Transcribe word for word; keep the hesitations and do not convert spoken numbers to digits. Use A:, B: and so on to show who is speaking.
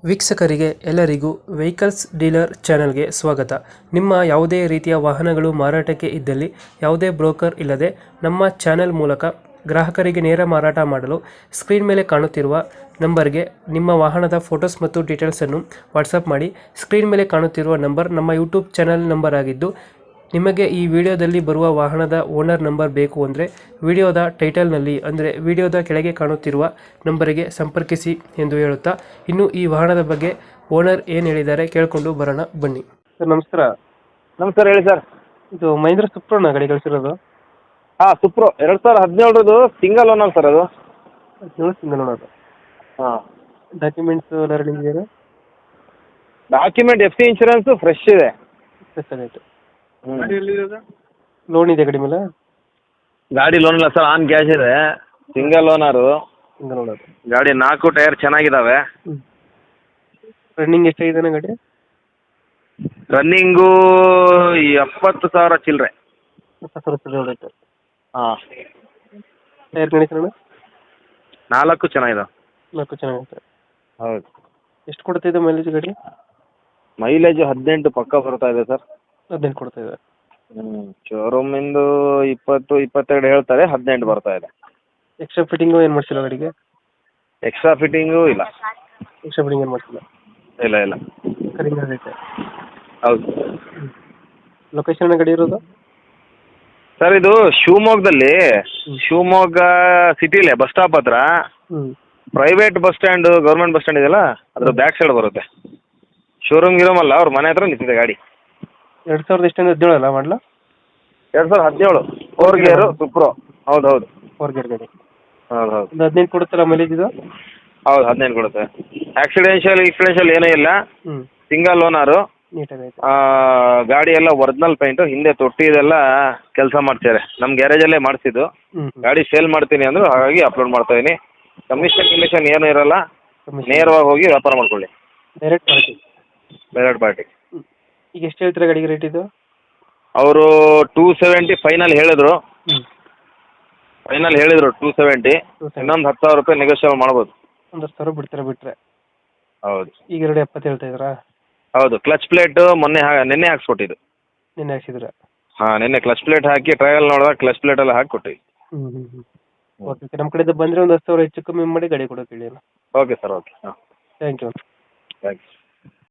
A: ವೀಕ್ಷಕರಿಗೆ ಎಲ್ಲರಿಗೂ vehicles dealer ಚಾನೆಲ್ಗೆ ಸ್ವಾಗತ. ನಿಮ್ಮ ಯಾವುದೇ ರೀತಿಯ ವಾಹನಗಳು ಮಾರಾಟಕ್ಕೆ ಇದ್ದಲ್ಲಿ ಯಾವುದೇ ಬ್ರೋಕರ್ ಇಲ್ಲದೆ ನಮ್ಮ ಚಾನೆಲ್ ಮೂಲಕ ಗ್ರಾಹಕರಿಗೆ ನೇರ ಮಾರಾಟ ಮಾಡಲು ಸ್ಕ್ರೀನ್ ಮೇಲೆ ಕಾಣುತ್ತಿರುವ ನಂಬರ್ಗೆ ನಿಮ್ಮ ವಾಹನದ ಫೋಟೋಸ್ ಮತ್ತು ಡೀಟೇಲ್ಸನ್ನು ವಾಟ್ಸಪ್ ಮಾಡಿ. ಸ್ಕ್ರೀನ್ ಮೇಲೆ ಕಾಣುತ್ತಿರುವ ನಂಬರ್ ನಮ್ಮ ಯೂಟ್ಯೂಬ್ ಚಾನೆಲ್ ನಂಬರ್ ಆಗಿದ್ದು, ನಿಮಗೆ ಈ ವಿಡಿಯೋದಲ್ಲಿ ಬರುವ ವಾಹನದ ಓನರ್ ನಂಬರ್ ಬೇಕು ಅಂದರೆ ವಿಡಿಯೋದ ಟೈಟಲ್ನಲ್ಲಿ ಅಂದರೆ ವಿಡಿಯೋದ ಕೆಳಗೆ ಕಾಣುತ್ತಿರುವ ನಂಬರಿಗೆ ಸಂಪರ್ಕಿಸಿ ಎಂದು ಹೇಳುತ್ತಾ, ಇನ್ನು ಈ ವಾಹನದ ಬಗ್ಗೆ ಓನರ್ ಏನು ಹೇಳಿದ್ದಾರೆ ಕೇಳಿಕೊಂಡು ಬರೋಣ ಬನ್ನಿ. ಸರ್ ನಮಸ್ಕಾರ.
B: ನಮಸ್ಕಾರ, ಹೇಳಿ ಸರ್.
A: ಇದು ಮಹೇಂದ್ರ ಸುಪ್ರೋನ ಗಾಡಿ ಕಳಿಸಿರೋದು?
B: ಹಾಂ, ಸುಪ್ರೋ ಎರಡು ಸಾವಿರದ ಹದಿನೇಳರದು ಸಿಂಗಲ್ ಓನರ್ ಸರ್ ಅದು.
A: ಹದಿನೇಳು ಸಿಂಗಲ್ ಓನರ್.
B: ಹಾಂ.
A: ಡಾಕ್ಯುಮೆಂಟ್ಸ್ ಎಲ್ಲ ರನ್ನಿಂಗ್ ಇದೆಯಾ?
B: Document F C insurance fresh ಇದೆ.
A: ಪ್ಲಸ್ ಆಗೈತೆ.
B: ಹ್ಮ್.
A: ಲೋನ್ ಇದೆ ಗಾಡಿ ಮೇಲೆ?
B: ಗಾಡಿ ಲೋನ್ ಇಲ್ಲ ಸರ್, ಆನ್ ಕ್ಯಾಶ್ ಇದೆ. Single owner.
A: Single owner.
B: ಗಾಡಿ ನಾಲ್ಕು ಟೈರ್ ಚೆನ್ನಾಗಿದ್ದಾವೆ.
A: ಹ್ಞೂ. ರನ್ನಿಂಗ್ ಎಷ್ಟಾಗಿದೆ ಗಾಡಿ?
B: ರನ್ನಿಂಗು ಎಪ್ಪತ್ತು ಸಾವಿರ ಚಿಲ್ಲರೆ.
A: ಎಪ್ಪತ್ತು ಸಾವಿರ ಹೊಡೈತೆ.
B: ಹಾಂ.
A: Tyre condition?
B: ನಾಲ್ಕು ಚೆನ್ನಾಗಿದ್ದಾವೆ.
A: ನಾಲ್ಕು ಚೆನ್ನಾಗೈತೆ.
B: ಹೌದು.
A: ಎಷ್ಟು ಕೊಡ್ತಿದೆ ಮೈಲೇಜ್ ಗಾಡಿ?
B: ಮೈಲೇಜ್ ಹದಿನೆಂಟು ಪಕ್ಕ ಬರ್ತಾ ಇದೆ ಸರ್.
A: ಹದಿನೆಂಟು ಕೊಡ್ತಾ ಇದೆ.
B: ಹ್ಞೂ. ಶೋರೂಮಿಂದು ಇಪ್ಪತ್ತು ಇಪ್ಪತ್ತೆರಡು ಹೇಳ್ತಾರೆ, ಹದಿನೆಂಟು ಬರ್ತಾ ಇದೆ.
A: ಎಕ್ಸ್ಟ್ರಾ ಫಿಟ್ಟಿಂಗು ಏನು ಮಾಡಿಸಿಲ್ಲ ಗಾಡಿಗೆ?
B: ಎಕ್ಸ್ಟ್ರಾ ಫಿಟ್ಟಿಂಗು ಇಲ್ಲ.
A: ಎಕ್ಸ್ಟ್ರಾ ಫಿಟ್ಟಿಂಗ್ ಏನು ಮಾಡಿಸಿಲ್ಲ?
B: ಇಲ್ಲ ಇಲ್ಲ.
A: ಕಡಿಮೆ ಆಗೈತೆ.
B: ಹೌದು.
A: ಲೊಕೇಶನ್ ಗಾಡಿ ಇರೋದು?
B: ಸರ್ ಇದು ಶಿವಮೊಗ್ಗದಲ್ಲಿ, ಶಿವಮೊಗ್ಗ ಸಿಟಿಲೇ ಬಸ್ ಸ್ಟಾಪ್ ಹತ್ರ
A: ಹ್ಞೂ.
B: Private bus stand, government bus stand ಇದೆಯಲ್ಲ, ಅದ್ರ ಬ್ಯಾಕ್ ಸೈಡ್ ಬರುತ್ತೆ. ಶೋರೂಮ್ ಗಿರೋಮಲ್ಲ, ಅವ್ರ ಮನೆ ಹತ್ರ ನಿಂತಿದೆ ಗಾಡಿ.
A: ಎರಡು ಸಾವಿರದ ಎಷ್ಟೊಂದು ಹದಿನೇಳು ಅಲ್ಲ ಮಾಡಲ?
B: ಎರಡು ಸಾವಿರದ ಹದಿನೇಳು ಫೋರ್ ಗೇರು ಸುಪ್ರೋ. ಹೌದು ಹೌದು.
A: ಫೋರ್ ಗೇರ್ ಗಾಡಿ.
B: ಹೌದು ಹೌದು.
A: ಒಂದು ಹದಿನೆಂಟು ಕೊಡುತ್ತಲ್ಲ ಮೈಲೇಜ್ ಇದು?
B: ಹೌದು, ಹದಿನೈದು ಕೊಡುತ್ತೆ. ಆಕ್ಸಿಡೆನ್ಷಿಯಲ್ ಇಕ್ಸಿಡೆನ್ಷಿಯಲ್ ಏನೂ ಇಲ್ಲ.
A: ಹ್ಞೂ.
B: Single owner.
A: ನೀಟಾಗೈತೆ.
B: ಗಾಡಿ ಎಲ್ಲ ಒರಿಜಿನಲ್ ಪೇಂಟು, ಹಿಂದೆ ತೊಟ್ಟಿ ಇದೆಲ್ಲ ಕೆಲಸ ಮಾಡ್ತಾರೆ. ನಮ್ಮ ಗ್ಯಾರೇಜಲ್ಲೇ ಮಾಡಿಸಿದ್ದು.
A: ಹ್ಞೂ.
B: ಗಾಡಿ ಸೇಲ್ ಮಾಡ್ತೀನಿ ಅಂದರು, ಹಾಗಾಗಿ ಅಪ್ಲೋಡ್ ಮಾಡ್ತಾ ಇದೀನಿ. ಕಮಿಷನ್ ಕಮಿಷನ್ ಏನೂ ಇರಲ್ಲ, ನೇರವಾಗಿ ಹೋಗಿ ವ್ಯಾಪಾರ ಮಾಡ್ಕೊಳ್ಳಿ.
A: Direct party.
B: Direct party.
A: ಈಗ ಎಷ್ಟು ಹೇಳ್ತೀರಾ ಗಾಡಿಗೆ ರೇಟ್ ಇದು?
B: ಅವರು ಟೂ ಸೆವೆಂಟಿ ಫೈನಲ್ ಹೇಳಿದ್ರು.
A: ಹ್ಞೂ.
B: ಫೈನಲ್ ಹೇಳಿದ್ರು ಟೂ ಸೆವೆಂಟಿ. ಇನ್ನೊಂದು ಹತ್ತು ಸಾವಿರ ರೂಪಾಯಿ ನೆಗೋಷಿಯೇಟ್ ಮಾಡ್ಬೋದು.
A: ಒಂದು ಹತ್ತು ಸಾವಿರ ಬಿಡ್ತೀರಾ ಬಿಟ್ಟರೆ?
B: ಹೌದು.
A: ಈಗ ಎರಡು ಎಪ್ಪತ್ತು ಹೇಳ್ತಾ ಇದ್ದೀರಾ?
B: ಹೌದು. ಕ್ಲಚ್ ಪ್ಲೇಟ್ ಮೊನ್ನೆ ಹಾ ನಿನ್ನೆ ಹಾಕ್ಸ್ಕೊಟ್ಟಿದ್ದು.
A: ನಿನ್ನೆ ಹಾಕ್ಸಿದ್ರೆ?
B: ಹಾಂ, ನಿನ್ನೆ ಕ್ಲಚ್ ಪ್ಲೇಟ್ ಹಾಕಿ ಟ್ರಯಲ್ ನೋಡಿದಾಗ ಕ್ಲಚ್ ಪ್ಲೇಟ್ ಎಲ್ಲ ಹಾಕಿ ಕೊಟ್ಟಿವಿ.
A: ಹ್ಞೂ ಹ್ಞೂ ಹ್ಞೂ. Okay okay. ನಮ್ಮ ಕಡೆಯಿಂದ ಬಂದರೆ ಒಂದು ಹತ್ತು ಸಾವಿರ ಹೆಚ್ಚು ಕಮ್ಮಿ ಮಾಡಿ ಗಾಡಿ ಕೊಡೋಕೆ ಹೇಳಿ.
B: Okay sir, okay. ಹಾಂ,
A: ಥ್ಯಾಂಕ್ ಯು.
B: ಥ್ಯಾಂಕ್ಸ್.